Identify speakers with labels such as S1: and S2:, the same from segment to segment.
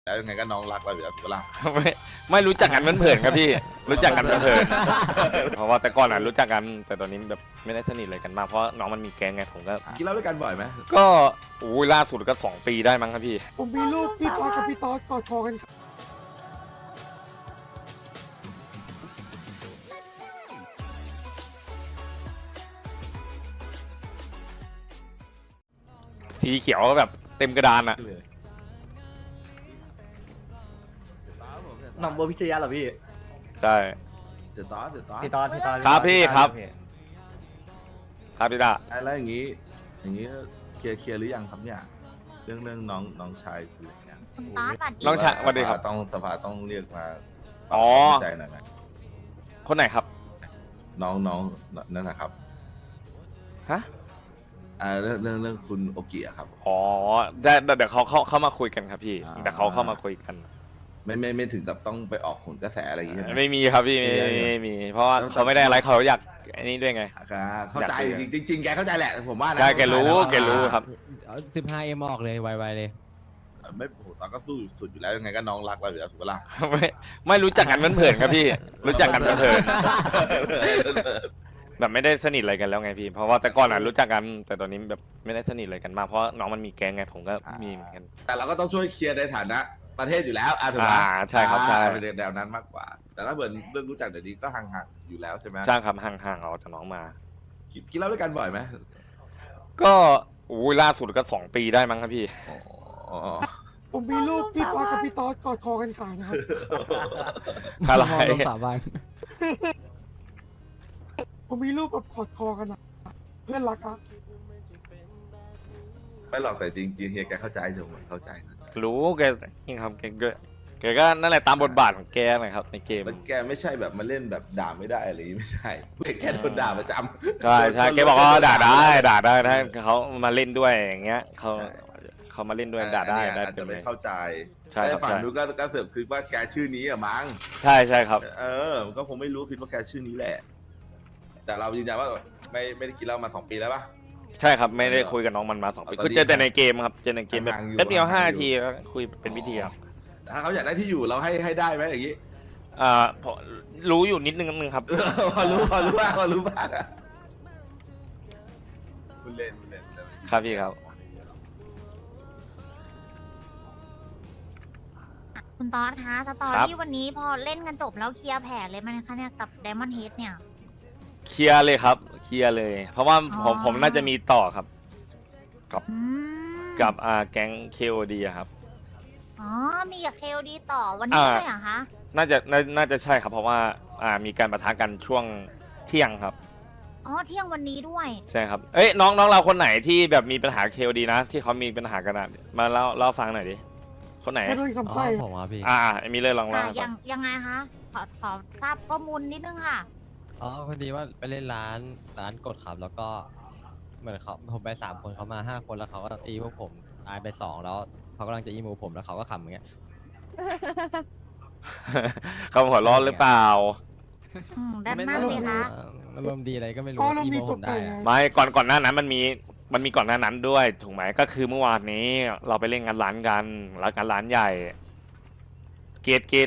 S1: แล้วยังไงก็น้องรักเราอยู่แล้วถูกปะล่ะ
S2: ไม่รู้จักกันเผินๆครับพี่ รู้จักกันเผินๆเพราะว่าแต่ก่อนรู้จักกันแต่ตอนนี้แบบไม่ได้สนิทอะไรกันมากเพราะน้องมันมีแก๊งไงผมก็
S1: กินเหล้าด้วยกันบ่อยไหม
S2: ก็ล่าสุดก็2 ปีได้มั้งครับพี่
S3: ผมมีรูปพี่ทอดกับพี่ตอดกอดคอกัน
S2: สีเขียวแบบเต็มกระดานอะ
S4: หน่องโบพิชยะเหรอพี่
S2: ใช่
S1: เสียต่อ
S4: พี่ตอนพี่ตอน
S2: ครับพี่ครับ ครับพี่ดา
S1: แล้วอย่างนี้เคลียร์หรือยังครับเนี่ยเรื่องน้องชายคืออะไรเนี่ย
S5: คุณตอสบัตร
S2: น้องชายสวัสดีครับ
S1: สภาต้องเรียกมา
S2: อ๋อ
S1: ใจหน่อยไหม
S2: คนไหนครับ
S1: น้องนั่นนะครับ
S2: ฮะ
S1: เรื่องคุณโอกิอะครับ
S2: อ๋อได้เดี๋ยวเขาเข้ามาคุยกันครับพี่
S1: อ่า
S2: เดี๋ยวเขาเข้ามาคุยกัน
S1: ไม่ถึงกับต้องไปออกผลกระแสอะไรอย่างงี้ใช่ไหม
S2: ไม่มีครับพี่ไม่มีเพราะว่าเขาไม่ได้อะไรเขาอยากอันนี้ด้วยไง
S1: เข้าใจจริงๆแกเข้าใจแหละผมว่านะ
S2: ใช่แกรู้ครับ
S6: 15M ออกเลยไวๆเลย
S1: ไม่โหตอนก็สู้สุดอยู่แล้วยังไงก็น้องรักเราอยู่แล้วถูกปะล่ะ
S2: ไม่รู้จักกันเผินๆครับพี่ รู้จักกันเผินๆแบบไม่ได้สนิทอะไรกันแล้วไงพี่ เพราะว่าแต่ก่อนรู้จักกันแต่ตอนนี้แบบไม่ได้สนิทอะไรกันมากเพราะน้องมันมีแก๊งไงผมก็มีเหมือนกัน
S1: แต่เราก็ต้องช่วยเคลียร์ในฐานะประเทศอยู่แล้วถูกไหม
S2: ใช่ครับใช่
S1: เป็นแนวนั้นมากกว่า แต่ถ้าเกิดเรื่องรู้จักเดี๋ยวนี้ก็ห่างๆอยู่แล้วใช่ไหม
S2: ใช่ครับห่างๆเอาจากน้องมา
S1: กินเหล้าด้วยกันบ่อยไหม
S2: ก็ล่าสุดก็2 ปีได้มั้งครับพี่
S1: อ๋อ
S3: ผมมีรูปพี่ทอดกับพี่ตอดกอดคอกันขายนะครับ
S2: อะไร
S6: ลงสาบาน
S3: ผมมีรูปแบบกอดคอกันนะเพื่อนรักครับ
S1: ไม่หรอกแต่จริงๆเฮียแกเข้าใจถูกไหมเข้าใจ
S2: รู้แกยังครับแกก็นั่นแหละตามบทบาทของแกนะครับในเกม
S1: มันแกไม่ใช่แบบมาเล่นแบบด่าไม่ได้อะไรอย่างงี้ไม่ใช่แกโดนด่าประจำ
S2: ใช่แกบอกว่าด่าได้ถ้าเขามาเล่นด้วยอย่างเงี้ยเขามาเล่นด้วยด่าได้
S1: อาจ
S2: เป็
S1: จะ
S2: น
S1: ไม่
S2: เลย
S1: เข้าใจ
S2: ใช่ครับ
S1: แต่ฝั่ง
S2: ใช่
S1: นู้นก็เสือกคิดว่าแกชื่อนี้อะมั้ง
S2: ใช่ครับ
S1: มันก็คงไม่รู้คิดว่าแกชื่อนี้แหละ แต่เรายืนยันว่าไม่ได้กินเหล้ามา2 ปีแล้วปะ
S2: ใช่ครับไม่ได้คุยกับน้องมันมา2 ปี
S1: ตอนนี้
S2: ก็เจอแต่ในเกมครับเจอในเกมแบบ
S1: ห่างอยู่
S2: แป๊บเดียว
S1: ห่าง
S2: 5
S1: อยู่
S2: นาทีก็คุยเป็นวิธีครับ
S1: ถ้าเขาอยากได้ที่อยู่เราให้ได้ไหมอย่างงี้
S2: พอรู้อยู่นิดนึงครับ
S1: พอรู้บ้างคุณเล่น
S2: ครับพี่ครับ
S5: คุณตอสคะสตอ
S2: ครับ
S5: รี่วันนี้พอเล่นกันจบแล้วเคลียร์แผลเลยมันคะเนี่ยกับไดมอนด์เฮดเนี่ย
S2: เคลียร์เลยครับเคลียร์เลย เพราะว่าผมน่าจะมีต่อครับ
S5: อืม
S2: กับแก๊ง KOD อะครับ
S5: อ๋อมีกับเคลดีต่อวันนี้เลยเหรอคะ
S2: น่าจะใช่ครับ เพราะว่ามีการปะทะกันช่วงเที่ยงครับ
S5: อ๋อเที่ยงวันนี้ด้วย
S2: ใช่ครับเอ้ยน้องเราคนไหนที่แบบมีปัญหา KOD นะที่เขามีปัญหากันอะมาเล่าฟังหน่อยดิคนไหน
S3: แค่ด้วยคำไส้
S6: ผมครับพี่
S2: มีเลยลอง
S5: ค่ะ
S2: เล่าให้ฟัง
S5: ยังไงคะขอทราบข้อมูลนิดนึงค่ะ
S6: อ๋อพอดีว่าไปเล่นร้านกดขับ แล้วก็เหมือนผมไป3 คนเขามา5 คนแล้วเขาก็ตีพวกผมตายไป2แล้วเขากำลังจะอีมูผมแล้วเขาก็ขำอย่างเงี้ย
S2: เขาหัวร้อนหรือเปล่า
S5: ด้านหน้าเลยคะ
S6: อารมณ์ดีอะไรก็ไม่รู้
S3: อ๋อเรา
S6: อี
S3: มี
S6: โม
S3: ต
S6: ผ
S3: ก
S6: ม
S3: แต่
S6: ได้
S3: งไง
S6: อะ
S2: ไม่ก่อนหน้านั้นมันมีก่อนหน้านั้นด้วยถูกไหมก็คือเมื่อวานนี้เราไปเล่นงานร้านกันแล้วงานร้านใหญ่เกต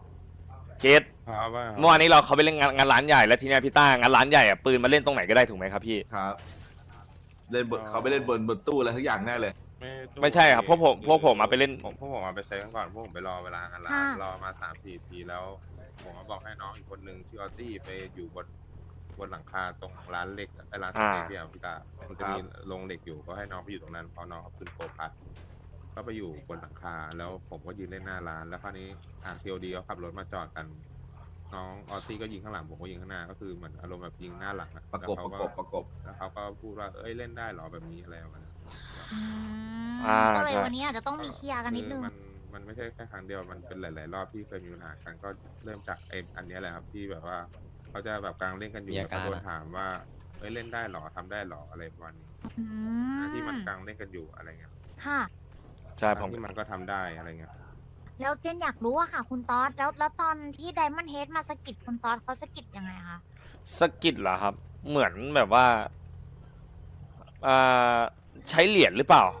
S2: เมื่อวานนี้เขาไปเล่นงานร้านใหญ่แล้วทีเนี้ยพี่ต้างานร้านใหญ่อะปืนมาเล่นตรงไหนก็ได้ถูกไหมครับพี่
S1: ครับเล่นบทเขาไปเล่นบนตู้อะไรทุกอย่างแน่เลย
S2: ไม่ใช่ครับพวกผมมาไปเล่น
S7: พวกผมมาไปเซฟกันก่อนพวกผมไปรอเวลางานร้าน
S5: ค่ะ
S7: รอมา3-4 ทีแล้ว ผมก็บอกให้น้องอีกคนนึงชื่อออตตี้ไปอยู่บนหลังคาตรงร้านเหล็กไอ้ร้านสเต็กที่พี่ตามันจะมีโรงเหล็กอยู่ก็ให้น้องไปอยู่ตรงนั้นพอน้องเขาขึ้นโกพัดก็ไปอยู่บนหลังคาแล้วผมก็ยืนเล่นหน้าร้านแล้วคราวนี้ทาง COD เขาขับรถมาจอดกัน น้องออตตี้ก็ยิงข้างหลังผมก็ยิงข้างหน้าก็คือเหมือนอารมณ์แบบยิงหน้าหลังอะ
S1: ประกบ
S7: แล้วเขาก็พูดว่าเอ้ยเล่นได้เหรอแบบนี้อะไรประมาณนั้น
S5: อืม
S2: อ่า
S5: ก็เลย
S2: ใช่
S5: วันนี้อาจจะต้องมีเคลียร์กันนิดนึง
S7: มันไม่ใช่แค่ครั้งเดียวมันเป็นหลาย ๆ รอบที่เคยมีปัญหากันก็เริ่มจากอันเนี้ยแหละครับที่แบบว่าเขาจะแบบกลางเล่นกันอยู่แล้วก็โดนถามว่าเอ้ยเล่นได้หรอทำได้หรออะไรประมาณนี้
S5: อืม
S7: ที่มันกลางเล่นกันอยู่อะไรเงี้ย
S5: ค่ะ
S2: ใช่ผม
S7: ที่มันก็ทำได้อะไรเงี้ย
S5: แล้วเจนอยากรู้อะค่ะ คุณตอสแล้วตอนที่ไดมอนด์เฮดมาสะกิดคุณตอสเขาสะกิดยังไงคะ
S2: สกิดเหรอครับ เหมือนแบบว่าใช้เหรียญหรือเปล่า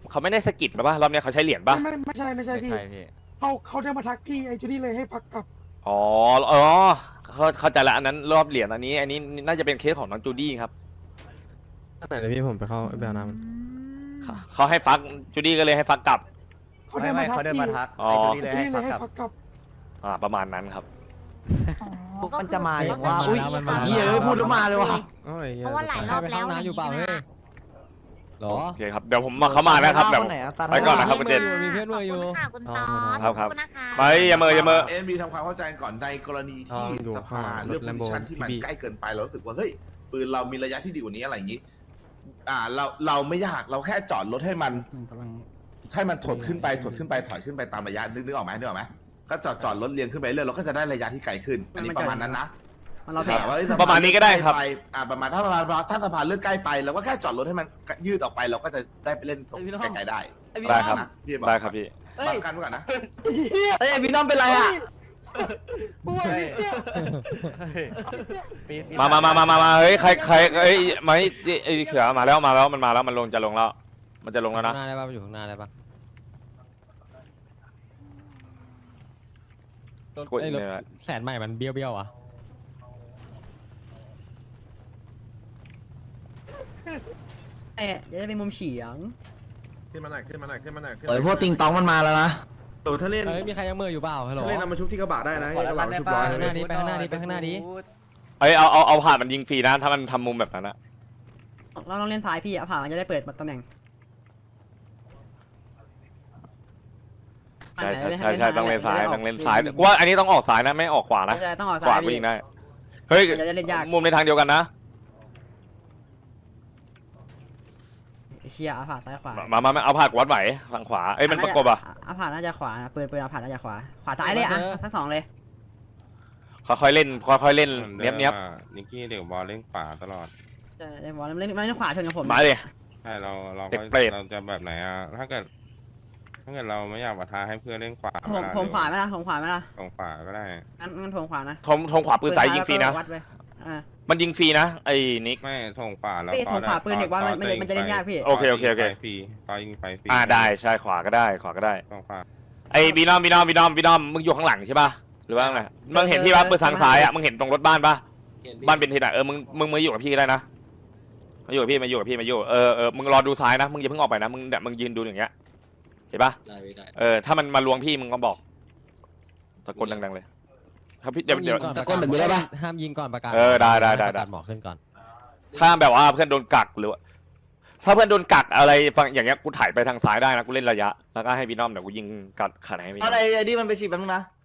S2: เขาไม่ได้สะกิดป่ะรอบเนี้ยเขาใช้เหรียญป่ะ
S3: ไม่ใช่พี่
S6: ใช่พี่
S3: เขาเดินมาทักพี่ไอ้จูดี้เลยให้พักกลับ
S2: อ๋อเข้าใจละอันนั้นรอบเหรียญอันนี้น่าจะเป็นเคสของน้องจูดี้ครับ
S8: ไหนเลยพี่ผมไปเข้าไปเอาน้
S2: เขาให้ฟักจูดี้ก็เลยให้ฟักกลับ
S3: เขาเดินมาทัก
S4: เขาเดิน
S3: พี่
S4: มาทัก
S2: อ๋อ
S4: ไอ้จูดี้
S3: จู
S4: เลย
S3: ดี้
S4: ให้
S3: เลย
S4: พัก
S3: ให้
S4: กลับ
S3: พักกลับ
S2: ประมาณนั้นครับ
S5: มันจะมา
S6: อย่างว่าอุ๊ย
S4: เหี้ยเอ้ยพูดแล้วมาเลยว่ะ
S8: ำโอ้ย
S5: เพราะว่าหลายรอบแล้ว
S6: ใครไปเข้าน้ำอยู่เปล่าเฮ้ย หรอ
S2: โอเคครับเดี๋ยวผมมาเข้ามาแล้วครับเดี๋ยวไปก่อนนะครับคุณเจน
S6: มีเพื่อนมืออยู่
S5: ขบคุณค่ะคุณตอด
S2: ครับ
S5: ขอบคุณนะคะ
S2: ไปอย่าเมอ
S1: เอ็นมีทำความเข้าใจก่อนในกรณีที่สภาเลือกโพซิชันที่มันใกล้เกินไปเรารู้สึกว่าเฮ้ยปืนเรามีระยะที่ดีกว่านี้อะไรอย่างนี้ เราไม่ยากเราแค่จอดรถให้มันถดขึ้นไปถอยขึ้นไปตามระยะนึกออกไหมก็จอดรถเรียงขึ้นไปเรื่อยเราก็จะได้ระยะที่ไกลขึ้น อันนี้ประมาณนั้นนะ
S4: เราแพ้
S1: แต่ว่าเอ้ย
S2: ประมาณนี้ก็ได้ครับ
S1: ประมาณถ้าสะพานเลือกใกล้ไปเราก็แค่จอดรถให้มันยืดออกไปเราก็จะได้ไปเล่นตรงไกลๆได้
S2: ได้ครับ
S1: นะพี่อก
S2: ได้ครับพี่
S1: บังกันไว้ก่อนนะ
S4: เอ้ยพี่น้องเป็นไรอ่ะ
S3: เพราะว่าพี่เนี่ย
S2: มาเฮ้ยใครเอ้ยมาไอ้เขือมาแล้วมันมาแล้วมันจะลงแล้วมันจะลงแล้วนะ
S6: ข้างหน้าได้ป่ะอยู่ข้างหน้าได้ป่ะ
S2: กด
S6: ไอ้รถ
S2: เนี่ย
S6: แสนใหม่มันเบี้ยวๆอ่ะ
S4: จะได้เป็นมุมเฉียง
S7: ขึ้นมาหน่อยขึ้นมาหน่อยขึ้นมาหน่อย
S4: เฮ้ยพวกติงตองมันมาแล้วนะ
S9: ถ้าเล่น
S6: เอ้ยมีใครยังมืออยู่เปล่าฮัลโหล
S9: ถ้าเล่นเอามาชุบที่กระบะได้นะให้กระบะชุบร้อย
S6: ไปข้างหน้านี้ไปข้างหน้านี้ไปข้างหน้านี้
S2: เอ้ยเอาผ่านมันยิงฟรีนะถ้ามันทำมุมแบบนั้นนะ
S4: เราต้องเล่นซ้ายพี่ผ่ามันจะได้เปิดตำแหน่ง
S2: ใช่ต้องเล่นซ้ายกูว่าอันนี้ต้องออกซ้ายนะไม่ออกขวานะ
S4: ใช่ต้องออก
S2: ข
S4: ซ้า
S2: วาย ก็ยิงได้เฮ้ย
S4: จะเล่นยาก
S2: มุมในทางเดียวกันนะ
S4: เชียผ่าซ้ายขวา
S2: มาเอาผ่านวัดไหวทางขวาเอ้ยมันประกบอ่ะ
S4: ผ่าน่าจะขวาปืนเอาผ่าน่าจะขวาซ้ายเลยอ่ะทั้งสองเลย
S2: ค่อยๆเล่นเนี้ยบ
S7: นิกกี้เด็กบอลเล่นขวาตลอด
S4: เล่นบอลเล่นขวาชนกับผม
S2: มาเลย
S7: ใช่เรา
S2: เด็
S7: ก็
S2: กเปรต
S7: เราจะแบบไหนอ่ะถ้าเกิดเราไม่อยากปะทะให้เพื่อนเล่นขวา
S4: ผมขวาไหมล่ะผมขวาไหมล่ะ
S7: ตรงขวาก็ได้
S4: งั้นผมขวานะ
S2: ทงขวาปืนซ้ายยิงฟรีนะ
S4: วัดไปอ่า
S2: มันยิงฟรีนะไอ้นิก
S7: ไม่ทงขวาแล้ว
S4: พี่ผมขวาปืนเด็กว่ามันจะเล่นยากพี่
S2: โอเค
S7: ฟรีตอนยิงไฟฟรี
S2: ได้ใช่ขวาก็ได้
S7: ตรงขวา
S2: ไอ้บีนอมมึงอยู่ข้างหลังใช่ป่ะหรือว่าไงมึงเห็นพี่ป่ะปืนทางซ้ายอ่ะมึงเห็นตรงรถบ้านป่ะบ้านเป็นที่ไหนมึงมาอยู่กับพี่ก็ได้นะมาอยู่กับพี่มึงรอดูซ้ายนะมึงอย่าเพิ่งออกไปนะมึงยืนดูอย่างเงี้ยเห็นป่ะถ้ามันมาลวงพี่มึงก็บอกตะโกนดังๆเลยถ้าพี่เดี๋ยว
S6: ตะโกนแบบนี้ได้ป่ะห้ามยิงก่อนประกาศ
S2: ได้
S6: ประกาศหมอขึ้นก่อน
S2: ถ้าแบบว่าเพื่อนโดนกักหรือว่าถ้าเพื่อนโดนกักอะไรฟังอย่างเงี้ยกูถ่ายไปทางซ้ายได้นะกูเล่นระยะแล้วก็ให้บีนอมเดี๋ยวกูยิงกัดขาไหนให้บีนอม
S4: อะไรไอ้นี่มันไปฉีดแป๊บนึงนะ